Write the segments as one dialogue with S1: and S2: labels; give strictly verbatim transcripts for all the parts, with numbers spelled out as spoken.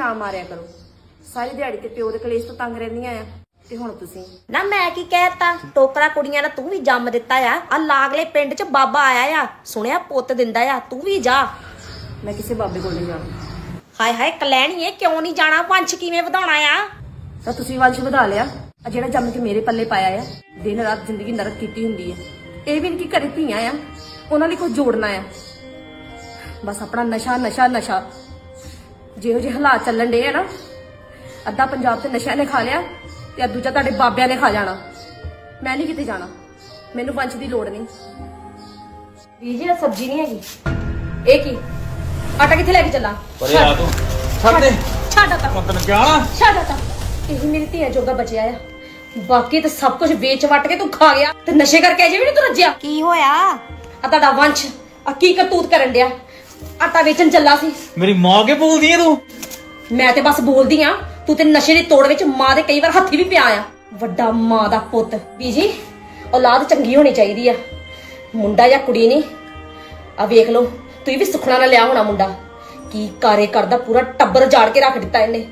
S1: ना मारिया करो। सारी दिहाड़ी ते प्यो दे कलेश तो तंग रहंदियां आ ते हुण तुसीं
S2: ना मैं की कहता टोकरा कुड़ियां दा तू भी जम दिता आ आ लागले पिंड च बाबा आया आ सुनिया पुੱਤ दिंदा आ तू भी जा।
S1: मैं किसी बाबे कोल नहीं जाना।
S2: हाय हाय कलैणीए क्यों नहीं जाना वंश किवें वधाउणा आ
S1: ਤਾਂ ਤੁਸੀਂ ਵੰਸ਼ ਵਧਾ ਲਿਆ ਆ ਜਿਹੜਾ ਜੰਮ ਕੇ ਮੇਰੇ ਪੱਲੇ ਪਾਇਆ ਆ ਦਿਨ ਰਾਤ ਜ਼ਿੰਦਗੀ ਨਰਕ ਕੀਤੀ ਹੁੰਦੀ ਹੈ। ਇਹ ਵੀ ਨਹੀਂ ਕਿ ਘਰੇ ਧੀਆਂ ਆ ਉਹਨਾਂ ਲਈ ਕੁਝ ਜੋੜਨਾ ਆ ਬਸ ਆਪਣਾ ਨਸ਼ਾ ਨਸ਼ਾ ਨਸ਼ਾ ਜਿਹੋ ਜਿਹੇ ਹਾਲਾਤ ਚੱਲਣ ਡੇ ਆ ਨਾ ਅੱਧਾ ਪੰਜਾਬ ਤੇ ਨਸ਼ਾ ਨੇ ਖਾ ਲਿਆ ਤੇ ਦੂਜਾ ਤੁਹਾਡੇ ਬਾਬਿਆਂ ਨੇ ਖਾ ਜਾਣਾ। ਮੈਂ ਨਹੀਂ ਕਿਤੇ ਜਾਣਾ ਮੈਨੂੰ ਵੰਸ਼ ਦੀ ਲੋੜ ਨਹੀਂ। ਵੀਰ ਜੀ ਸਬਜ਼ੀ ਨਹੀਂ ਹੈਗੀ ਇਹ ਕੀ ਆਟਾ ਕਿੱਥੇ ਲੈ ਕੇ ਚੱਲਾਂ
S3: ਪਰੇ ਆ ਤੂੰ ਛੱਡ ਦੇ
S2: ਛੱਡ ਤਾ
S3: ਮੈਂ ਤੈਨੂੰ ਕਿਹਾ ਨਾ
S2: ਛੱਡ ਤਾ ਇਹ ਮੇਰੀ ਧੀਆ ਜੋਗਾ ਬਚਿਆ ਆ ਬਾਕੀ ਤਾਂ ਸਭ ਕੁਝ ਵੇਚ ਵਟ ਕੇ ਤੂੰ ਖਾ ਗਿਆ ਤੇ ਨਸ਼ੇ ਕਰਕੇ ਅਜੇ ਵੀ ਨਹੀਂ ਤੂੰ ਰੱਜਿਆ।
S4: ਕੀ ਹੋਇਆ
S2: ਆ ਤੁਹਾਡਾ ਵੰਸ਼ ਆ ਕੀ ਕਰਤੂਤ ਕਰਨ ਡਿਆ ਆਟਾ ਵੇਚਣ ਚੱਲਾ ਸੀ।
S3: ਮੇਰੀ ਮਾਂ ਕੇ ਬੋਲਦੀ ਐ ਤੂੰ
S2: ਮੈਂ ਤੇ ਬਸ ਬੋਲਦੀ ਆ ਤੂੰ ਤੇ ਨਸ਼ੇ ਦੀ ਤੋੜ ਵਿੱਚ ਮਾਂ ਦੇ ਕਈ ਵਾਰ ਹੱਥੀ ਵੀ ਪਿਆ ਆ ਵੱਡਾ ਮਾਂ ਦਾ ਪੁੱਤ। ਬੀਜੀ ਔਲਾਦ ਚੰਗੀ ਹੋਣੀ ਚਾਹੀਦੀ ਆ ਮੁੰਡਾ ਜਾਂ ਕੁੜੀ ਨਹੀਂ ਆ ਵੇਖ ਲਓ ਤੁਸੀਂ ਵੀ ਸੁਖਣਾ ਨਾ ਲਿਆ ਹੋਣਾ ਮੁੰਡਾ ਕੀ ਕਾਰੇ ਕਰਦਾ ਪੂਰਾ ਟੱਬਰ ਜਾੜ ਕੇ ਰੱਖ ਦਿੱਤਾ ਇਹਨੇ।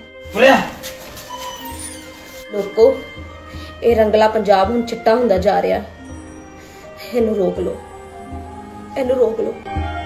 S2: ਲੋਕੋ ਇਹ ਰੰਗਲਾ ਪੰਜਾਬ ਹੁਣ ਚਿੱਟਾ ਹੁੰਦਾ ਜਾ ਰਿਹਾ ਇਹਨੂੰ ਰੋਕ ਲਓ ਇਹਨੂੰ ਰੋਕ ਲਓ।